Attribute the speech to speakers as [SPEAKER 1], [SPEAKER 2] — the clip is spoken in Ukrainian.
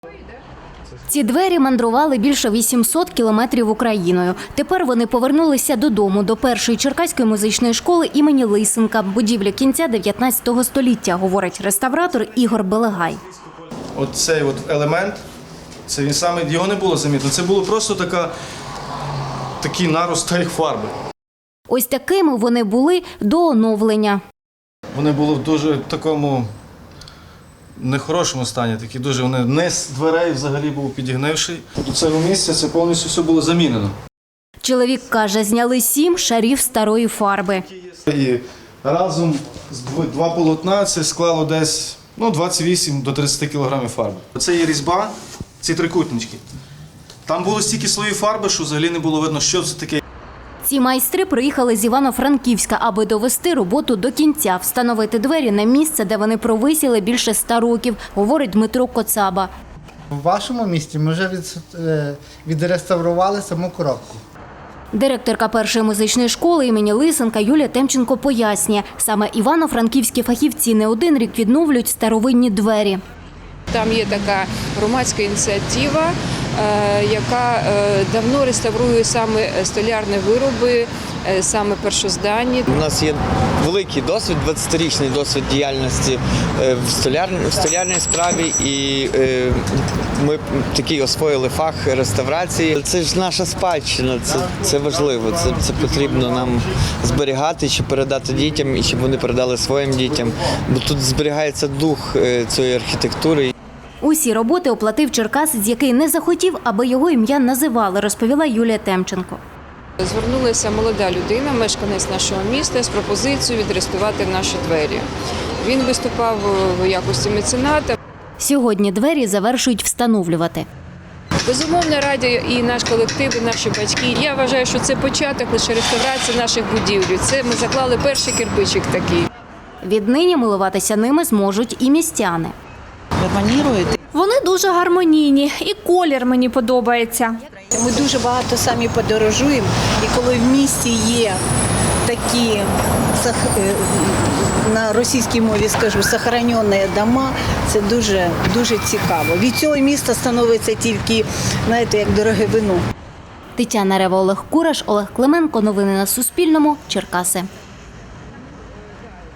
[SPEAKER 1] Ці двері мандрували більше 800 кілометрів Україною. Тепер вони повернулися додому, до першої черкаської музичної школи імені Лисенка, будівлі кінця 19 століття, говорить реставратор Ігор Белегай.
[SPEAKER 2] Оцей елемент, це він саме, його не було замітно, це було просто такий нарост старих фарби.
[SPEAKER 1] Ось такими вони були до оновлення.
[SPEAKER 2] Вони були в дуже такому нехорошому стані, такі дуже, низ дверей взагалі був підігнивший. До цього місця це повністю все було замінено.
[SPEAKER 1] Чоловік каже, зняли 7 шарів старої фарби.
[SPEAKER 2] І разом два полотна це склало десь 28 до 30 кілограмів фарби. Це є різьба, ці трикутнички. Там було стільки слоїв фарби, що взагалі не було видно, що це таке.
[SPEAKER 1] Ці майстри приїхали з Івано-Франківська, аби довести роботу до кінця, встановити двері на місце, де вони провисіли більше 100 років, говорить Дмитро Коцаба.
[SPEAKER 3] В вашому місті ми вже відреставрували саму коробку.
[SPEAKER 1] Директорка першої музичної школи імені Лисенка Юлія Темченко пояснює, саме івано-франківські фахівці не один рік відновлюють старовинні двері.
[SPEAKER 4] Там є така громадська ініціатива, яка давно реставрує саме столярні вироби, саме першозданні.
[SPEAKER 5] У нас є великий досвід, 20-річний досвід діяльності в столярній справі, і ми такий освоїли фах реставрації. Це ж наша спадщина, це важливо, це потрібно нам зберігати, щоб передати дітям і щоб вони передали своїм дітям, бо тут зберігається дух цієї архітектури.
[SPEAKER 1] Усі роботи оплатив черкасець, який не захотів, аби його ім'я називали, розповіла Юлія Темченко.
[SPEAKER 4] Звернулася молода людина, мешканець нашого міста, з пропозицією відреставрувати наші двері. Він виступав в якості мецената.
[SPEAKER 1] Сьогодні двері завершують встановлювати.
[SPEAKER 4] Безумовно, раді і наш колектив, і наші батьки. Я вважаю, що це початок лише реставрації наших будівель. Це ми заклали перший кирпичик такий.
[SPEAKER 1] Віднині милуватися ними зможуть і містяни.
[SPEAKER 6] Вони дуже гармонійні, і колір мені подобається.
[SPEAKER 7] Ми дуже багато самі подорожуємо, і коли в місті є такі, на російській мові скажу, сохранені дома, це дуже цікаво. Від цього міста становиться тільки, знаєте, як дороге вино.
[SPEAKER 1] Тетяна Рева, Олег Кураш, Олег Клименко. Новини на Суспільному. Черкаси.